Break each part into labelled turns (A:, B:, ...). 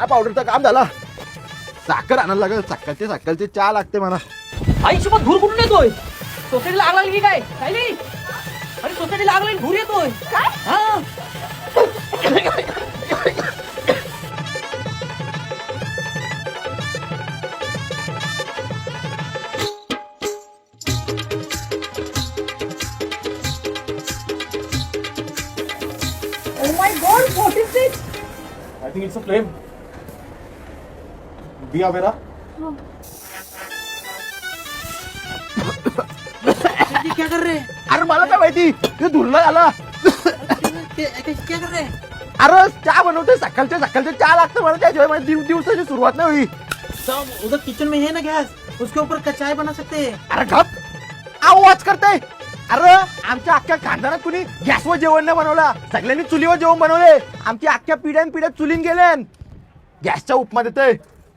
A: चहा पावडरचं काम झालं. साखर आणायला लागेल. सकाळचे चहा लागते मला.
B: आईसोबत धूर कुठून येतोय? सोसायटीला आग लागली की काय? काय नाही. अरे सोसायटीला आग लागली, धूर येतोय. हा.
C: Oh my God, what is this?
D: I think it's a flame. Be aware.
B: क्या कर रहे?
A: अरे मला काय माहिती ते धुरला आला.
B: क्या कर रहे?
A: अरे चहा बनवते. सकाळचे चहा लागतं मला. त्याशिवाय माझ्या दिवसाची सुरुवात नाही हुई.
B: सब उधर किचन में है ना गैस, उसके ऊपर चाय बना सकते हैं.
A: अरे गप आवाज करते. अरे आमच्या अख्ख्या खानदानात कुणी गॅसवर जेवण नाही बनवला. सगळ्यांनी चुलीवर जेवण बनवले. आमची अख्ख्या पिढ्या चुलीन गेले. गॅसचा उपमा देतोय.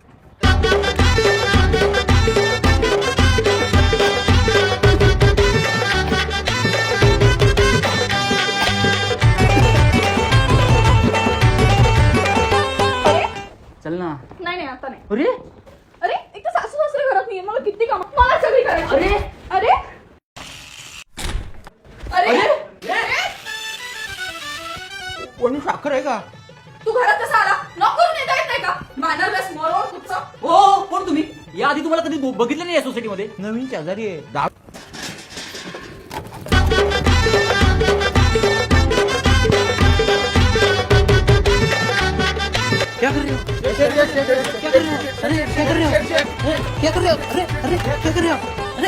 B: चल ना.
C: नाही आता नाही.
B: अरे
C: अरे एक तर सासू सासरे घरात नाहीये. मला किती काम मला सगळी करायची.
B: अरे
C: अरे अरे अरे
A: कोणी साखर आहे का?
C: तू घरात कसा आला? नॉक करून येता येत नाही का? मॅनरलेस मोरोड कुठचा.
B: हो, कोण तुम्ही? या आधी तुम्हाला कधी बघितलं नाही या सोसायटी मध्ये?
A: नवीन शेजारी आहे.
B: क्या कर रहे हो? क्या कर रहे हो? अरे क्या कर रहे हो? क्या कर रहे हो? अरे क्या कर रहे हो? अरे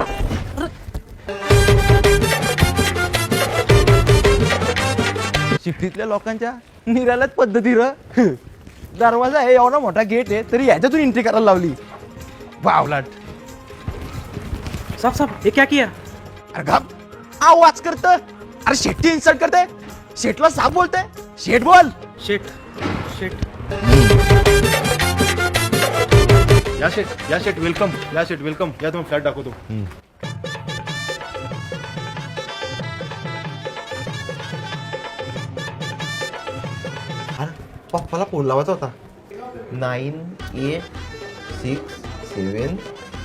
A: शिफ्टीतल्या लोकांच्या निराल्याच पद्धती र. दरवाजा आहे, एवढा मोठा गेट आहे, तरी ह्याच्यातून एंट्री करायला लावली. बावलाट.
B: साहब ये क्या किया?
A: अरे गप आवाज करत. अरे शेट्टी इन्सल्ट करते. शेटला साफ बोलते. शेट बोल.
B: शेट
D: या शेट वेलकम. या तुम्ही फ्लॅट दाखवतो.
A: अरे पप्पाला फोन लावायचा होता. 9 8 6 7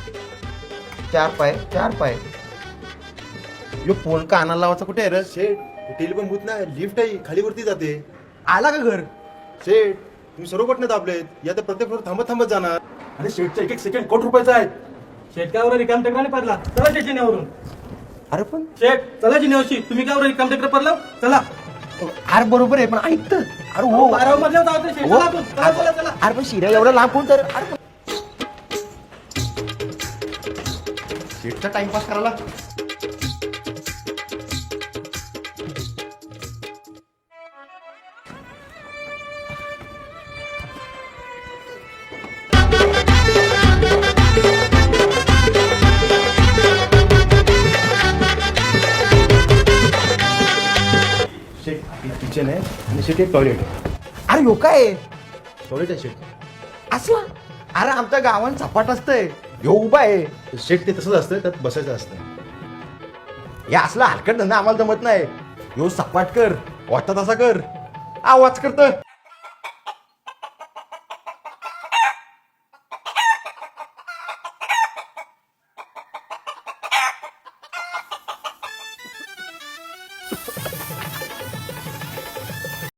A: 4 पाय. यो फोन कानाला लावायचा कुठे आहे रे?
D: शेट टेलिफोन भूत नाही, लिफ्ट आहे, खाली वरती जाते.
A: आला का घर?
D: शेट तुम्ही सर्व बटणे दाबलेत. या तर प्रत्येक फ्लोर थांबत जाणार. आणि शेटचा एक सेकंड कोटी रुपयाचा आहे.
E: शेटकावर रिकाम टेकरा नाही पडला. चला जिन्यावरून.
A: अरे पण
E: शेट चला जिन्यावरशी. तुम्ही कावर रिकाम टेकरा पडला? चला.
A: अरे बरोबर आहे, पण ऐकत. अरे हो.
E: 12 मधल्या जाऊ दे शेट.
A: हो.
E: चला आपण. चला.
A: अरे पण शिऱ्या एवढा लांब कोण तर. अरे पण
D: शेटचा टाइमपास करायला. शेट किचन आहे आणि शेट एक टॉयलेट आहे.
A: अरे हो काय
D: टॉयलेट आहे शेट.
A: असला. अरे आमच्या गावात सपाट असतंय. ह्यो उभा आहे.
D: शेट ते तसंच असतं, त्यात बसायचं असतं.
A: हे असला हलकट धंदा आम्हाला जमत नाही. ह्यो सपाट कर, वाटत तसा कर. आवाज करत.